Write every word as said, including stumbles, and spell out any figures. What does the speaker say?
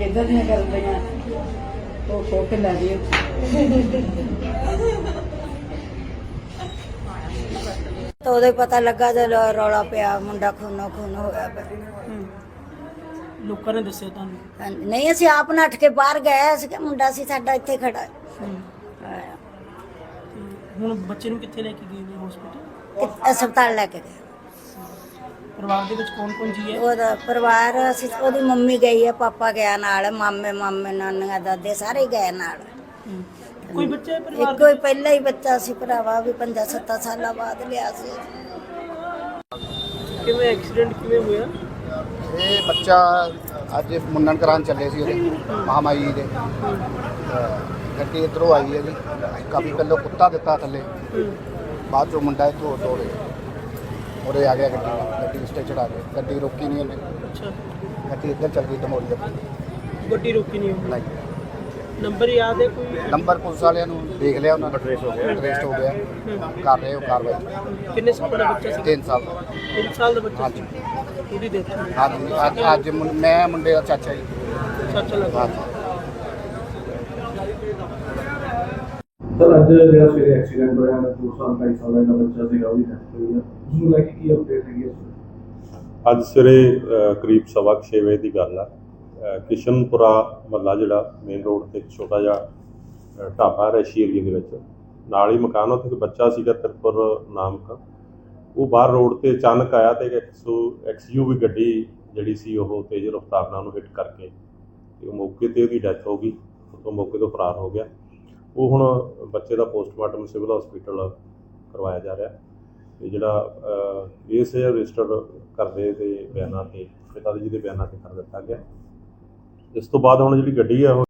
ਕਿੱਦਾਂ ਦੀਆਂ ਕਰਦੀਆਂ ਉਹ ਖੋ ਕੇ ਲੈ ਦਿਓ। ਤਾਂ ਉਹਦੇ ਪਤਾ ਲੱਗਾ ਜਦੋਂ ਰੌਲਾ ਪਿਆ ਮੁੰਡਾ ਖੂਨੋ ਖੂਨ ਹੋਇਆ ਪਿਆ। ਲੋਕਾਂ ਨੇ ਦੱਸਿਆ ਤੁਹਾਨੂੰ? ਨਹੀਂ ਅਸੀਂ ਆਪ ਨੱਠ ਕੇ ਬਾਹਰ ਗਏ ਅਸੀਂ ਕਿ ਮੁੰਡਾ ਸੀ ਸਾਡਾ ਇੱਥੇ ਖੜਾ ਹੈ। ਹੁਣ ਬੱਚੇ ਨੂੰ ਕਿੱਥੇ ਲੈ ਕੇ ਗਏ ਨੇ ਹਸਪੀਟਲ? ਕਿ- ਹਸਪਤਾਲ ਲੈ ਕੇ ਗਏ। ਪਰਿਵਾਰ ਦੇ ਵਿੱਚ ਕੌਣ ਕੌਣ ਜੀ ਹੈ? ਉਹਦਾ ਪਰਿਵਾਰ ਅਸੀਂ ਉਹਦੀ ਮੰਮੀ ਗਈ ਹੈ, ਪਾਪਾ ਗਿਆ ਨਾਲ, ਮਾਮੇ ਮਾਮੇ ਨਾਨੀਆਂ ਦਾਦੇ ਸਾਰੇ ਗਏ ਨਾਲ। ਕੋਈ ਬੱਚਾ ਹੈ ਪਰਿਵਾਰ ਇੱਕੋ ਹੀ ਪਹਿਲਾ ਹੀ ਬੱਚਾ ਸੀ ਭਰਾਵਾ, ਵੀ ਪੰਜਾਂ ਸੱਤਾਂ ਸਾਲਾਂ ਬਾਅਦ ਲਿਆ ਸੀ। ਕਿਵੇਂ ਐਕਸੀਡੈਂਟ ਕਿਵੇਂ ਹੋਇਆ? ਇਹ ਬੱਚਾ ਅੱਜ ਮੁੰਨਣ ਕਰਾਉਣ ਚੱਲੇ ਸੀ ਉਹਦੇ ਮਹਾਮਾਈ ਦੇ। ਗੱਡੀ ਇੱਧਰੋਂ ਆਈ ਹੈ ਜੀ, ਕਾਫੀ ਪਹਿਲਾਂ ਕੁੱਤਾ ਦਿੱਤਾ ਥੱਲੇ, ਬਾਅਦ ਚੋਂ ਮੁੰਡਾ ਇੱਥੋਂ ਤੋੜੇ ਉਰੇ ਆ ਗਿਆ, ਗੱਡੀ ਗੱਡੀ ਸਟੇ ਚੜਾ ਕੇ ਗੱਡੀ ਰੋਕੀ ਨਹੀਂ ਉਹਨੇ। ਅੱਛਾ, ਗੱਡੀ ਇੱਧਰ ਚੱਲ ਗਈ ਧਮੋਲੀ ਦੇ। ਗੱਡੀ ਰੋਕੀ ਨਹੀਂ ਹੋਈ? ਨਹੀਂ, ਨੰਬਰ ਯਾਦ ਹੈ ਕੋਈ? ਨੰਬਰ ਪੁਲਿਸ ਵਾਲਿਆਂ ਨੂੰ ਦੇਖ ਲਿਆ, ਉਹਨਾਂ ਦਾ ਟ੍ਰੇਸ ਹੋ ਗਿਆ, ਟ੍ਰੇਸ ਹੋ ਗਿਆ, ਕਰ ਰਹੇ ਹੋ ਕਾਰਵਾਈ। ਕਿੰਨੇ ਸਾਲ ਦਾ ਬੱਚਾ ਸੀ? ਤਿੰਨ ਸਾਲ ਦਾ। ਤਿੰਨ ਸਾਲ ਦਾ ਬੱਚਾ ਹਾਂਜੀ ਸੀ? ਉਹਦੀ ਡੈਥ ਹੋਈ? ਹਾਂਜੀ, ਅੱਜ ਅੱਜ ਮੁੰ- ਮੈਂ ਮੁੰਡੇ ਦਾ ਚਾਚਾ ਜੀ। ਚਾਚਾ ਲੱਗਾ? ਹਾਂਜੀ। ਸਰ ਅੱਜ ਜਿਹੜਾ ਸਵੇਰੇ ਐਕਸੀਡੈਂਟ ਹੋਇਆ ਹੈ, ਦੋ ਸਾਲ ਢਾਈ ਸਾਲ ਦਾ ਬੱਚਾ ਸੀਗਾ, ਉਹਦੀ ਡੈਥ ਹੋਈ ਹੈ, ਉਸ ਨੂੰ ਲੈ ਕੇ ਕੀ ਅਪਡੇਟ ਹੈਗੀ ਹੈ? ਅੱਜ ਸਵੇਰੇ ਅ, ਕਰੀਬ ਸਵਾ ਕੁ ਛੇ ਵਜੇ ਦੀ ਗੱਲ ਆ। ਅ, ਕਿਸ਼ਨਪੁਰਾ ਮਹੱਲਾ ਜਿਹੜਾ ਮੇਨ ਰੋਡ ਤੇ ਇੱਕ ਛੋਟਾ ਜਿਹਾ ਅ, ਢਾਬਾ ਰੈਸ਼ੀ ਏਰੀਏ ਦੇ ਵਿੱਚ ਨਾਲ ਹੀ ਮਕਾਨ, ਉੱਥੇ ਇੱਕ ਬੱਚਾ ਸੀਗਾ ਤਿਰਪੁਰ ਨਾਮਕ। ਉਹ ਬਾਹਰ ਰੋਡ ਤੇ ਅਚਾਨਕ ਆਇਆ ਤੇ ਇੱਕ ਐਕਸ ਯੂ ਵੀ ਗੱਡੀ ਜਿਹੜੀ ਸੀ ਉਹ ਤੇਜ਼ ਰਫ਼ਤਾਰ ਨਾਲ ਉਹਨੂੰ ਹਿੱਟ ਕਰਕੇ ਤੇ ਉਹ ਮੌਕੇ ਤੇ ਉਹਦੀ ਡੈਥ ਹੋ ਗਈ। ਉਹ ਮੌਕੇ ਤੋਂ ਫਰਾਰ ਹੋ ਗਿਆ। ਉਹ ਹੁਣ ਬੱਚੇ ਦਾ ਪੋਸਟਮਾਰਟਮ ਸਿਵਲ ਹਸਪੀਟਲ ਕਰਵਾਇਆ ਜਾ ਰਿਹਾ ਤੇ ਜਿਹੜਾ ਕੇਸ ਹੈ ਰਜਿਸਟਰ ਕਰਦੇ ਦੇ ਬਿਆਨਾਂ ਤੇ ਪਿਤਾ ਜੀ ਦੇ ਬਿਆਨਾਂ ਤੇ ਕਰ ਦਿੱਤਾ ਗਿਆ। ਇਸ ਤੋਂ ਬਾਅਦ ਹੁਣ ਜਿਹੜੀ ਗੱਡੀ ਹੈ ਉਹ